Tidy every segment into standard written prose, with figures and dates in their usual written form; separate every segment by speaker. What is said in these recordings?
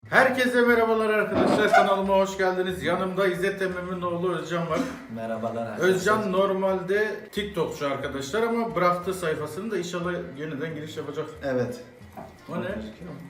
Speaker 1: Herkese merhabalar arkadaşlar, kanalıma hoş geldiniz. Yanımda İzzet Emre'nin oğlu Özcan var.
Speaker 2: Merhabalar arkadaşlar.
Speaker 1: Özcan normalde TikTokçu arkadaşlar ama bıraktı sayfasını da inşallah yeniden giriş yapacak.
Speaker 2: Evet.
Speaker 1: O ne?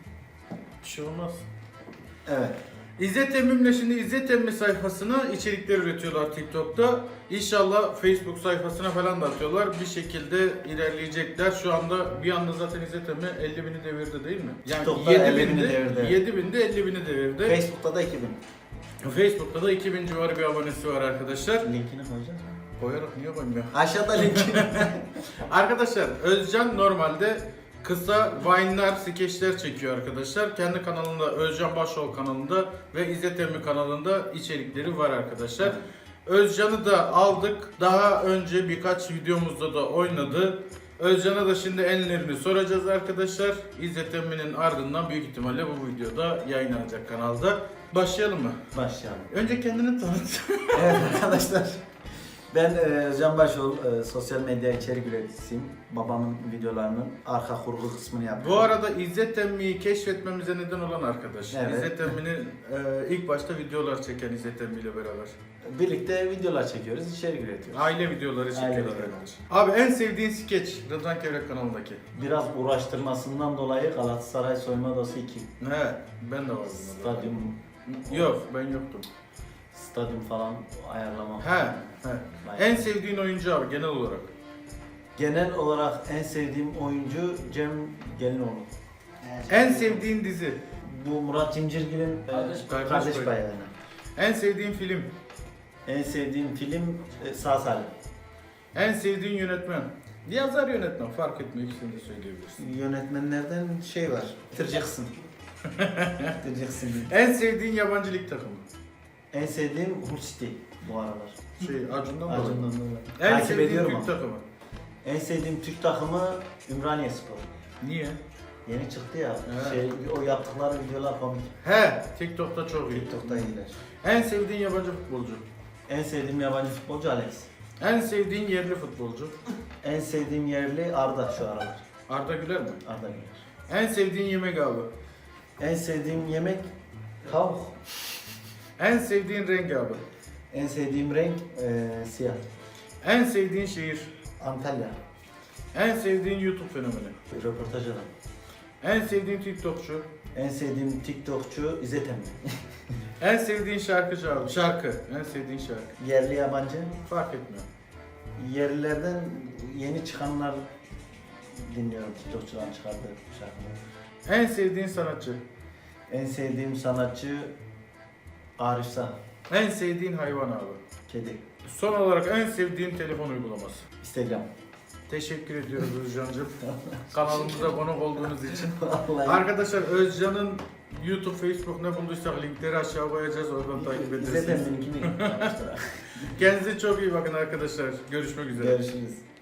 Speaker 1: Bir şey olmaz.
Speaker 2: Evet.
Speaker 1: İzzet Emmim'le şimdi İzzet Emmi sayfasına içerikler üretiyorlar TikTok'ta. İnşallah Facebook sayfasına falan da atıyorlar. Bir şekilde ilerleyecekler. Şu anda bir anda zaten İzzet Emmi 50.000'i devirdi değil mi? Yani
Speaker 2: TikTok'ta 50.000'i devirdi.
Speaker 1: 7.000'de 50.000'i devirdi.
Speaker 2: Facebook'ta da 2000.
Speaker 1: Facebook'ta da 2000 civarı bir abonesi var arkadaşlar.
Speaker 2: Linkini koyacağız mı?
Speaker 1: Koyarak niye koymuyor?
Speaker 2: Aşağıda linki.
Speaker 1: Arkadaşlar Özcan normalde kısa Vine'lar, skeçler çekiyor arkadaşlar. Kendi kanalında, Özcan Başol kanalında ve İzzet Emmi kanalında içerikleri var arkadaşlar. Özcan'ı da aldık. Daha önce birkaç videomuzda da oynadı. Özcan'a da şimdi enlerini soracağız arkadaşlar. İzzet Emmi'nin ardından büyük ihtimalle bu videoda yayınlanacak kanalda. Başlayalım mı?
Speaker 2: Başlayalım.
Speaker 1: Önce kendini tanıt.
Speaker 2: Evet arkadaşlar. Ben Özcan Başol, sosyal medya içerik üreticisiyim. Babamın videolarının arka kurgu kısmını yapıyorum.
Speaker 1: Bu arada İzzet Emmi'yi keşfetmemize neden olan arkadaş.
Speaker 2: Evet.
Speaker 1: İzzet Emmi'nin ilk başta videolar çeken İzzet Emmi ile beraber.
Speaker 2: Birlikte videolar çekiyoruz, içerik üretiyoruz.
Speaker 1: Aile videoları çekiyorlar
Speaker 2: videoları.
Speaker 1: arkadaş. Abi en sevdiğin skeç Rıdvan Kevrek kanalındaki.
Speaker 2: Biraz uğraştırmasından dolayı Galatasaray soyunma odası 2.
Speaker 1: He, ben de vardım. orada.
Speaker 2: Stadyum,
Speaker 1: Yok, ben yoktum.
Speaker 2: stadyum falan ayarlama.
Speaker 1: He. En sevdiğin oyuncu abi genel olarak.
Speaker 2: Genel olarak en sevdiğim oyuncu Cem Gelinoğlu.
Speaker 1: En sevdiğin dizi.
Speaker 2: Bu Murat Cimcirgil'in
Speaker 1: Kardeş
Speaker 2: kardeş
Speaker 1: Payı.
Speaker 2: payı.
Speaker 1: En sevdiğin film.
Speaker 2: En sevdiğim film Sağ Salim.
Speaker 1: En sevdiğin yönetmen. Yazar yönetmen fark etmiyor, ikisini de söyleyebilirsin.
Speaker 2: Yönetmenlerden şey var. Tıracaksın. Tıracaksın.
Speaker 1: En sevdiğin yabancı lig takımı.
Speaker 2: En sevdiğim Hull City bu aralar.
Speaker 1: Acun'dan
Speaker 2: Acun'dan
Speaker 1: dolayı.
Speaker 2: dolayı.
Speaker 1: En
Speaker 2: Takip
Speaker 1: sevdiğin
Speaker 2: ediyorum
Speaker 1: Türk
Speaker 2: ama.
Speaker 1: takımı.
Speaker 2: En sevdiğim Türk takımı Ümraniye Spor.
Speaker 1: Niye?
Speaker 2: Yeni çıktı ya.
Speaker 1: Evet.
Speaker 2: O yaptıkları videolar komik.
Speaker 1: He, TikTok'ta çok iyi.
Speaker 2: TikTok'ta iyiler.
Speaker 1: En sevdiğin yabancı futbolcu.
Speaker 2: En sevdiğim yabancı futbolcu Alex.
Speaker 1: En sevdiğin yerli futbolcu.
Speaker 2: En sevdiğim yerli Arda şu aralar.
Speaker 1: Arda Güler mi?
Speaker 2: Arda Güler.
Speaker 1: En sevdiğin yemek abi.
Speaker 2: En sevdiğim yemek tavuk.
Speaker 1: En sevdiğin renk abi.
Speaker 2: En sevdiğim renk siyah.
Speaker 1: En sevdiğin şehir.
Speaker 2: Antalya.
Speaker 1: En sevdiğin YouTube fenomeni.
Speaker 2: Röportaj adam.
Speaker 1: En sevdiğin TikTokçu.
Speaker 2: En sevdiğim TikTokçu İzzet Emre.
Speaker 1: En sevdiğin şarkıcı abi. Şarkı. En sevdiğin şarkı.
Speaker 2: Yerli yabancı.
Speaker 1: Fark etmiyor.
Speaker 2: Yerlilerden yeni çıkanlar dinliyorum. TikTokçuların çıkardığı şarkıları.
Speaker 1: En sevdiğin sanatçı.
Speaker 2: En sevdiğim sanatçı Arif Sağ.
Speaker 1: En sevdiğin hayvan abi.
Speaker 2: Kedi.
Speaker 1: Son olarak en sevdiğin telefon uygulaması.
Speaker 2: Instagram.
Speaker 1: Teşekkür ediyoruz Özcan'cığım. Kanalımıza konuk olduğunuz için.
Speaker 2: Vallahi.
Speaker 1: Arkadaşlar Özcan'ın YouTube, Facebook ne bulduysak linkleri aşağı koyacağız. Oradan takip
Speaker 2: İzzet
Speaker 1: edersiniz.
Speaker 2: Emre'ninkini yapmışlar.
Speaker 1: Kendinize çok iyi bakın arkadaşlar. Görüşmek üzere.
Speaker 2: Görüşürüz.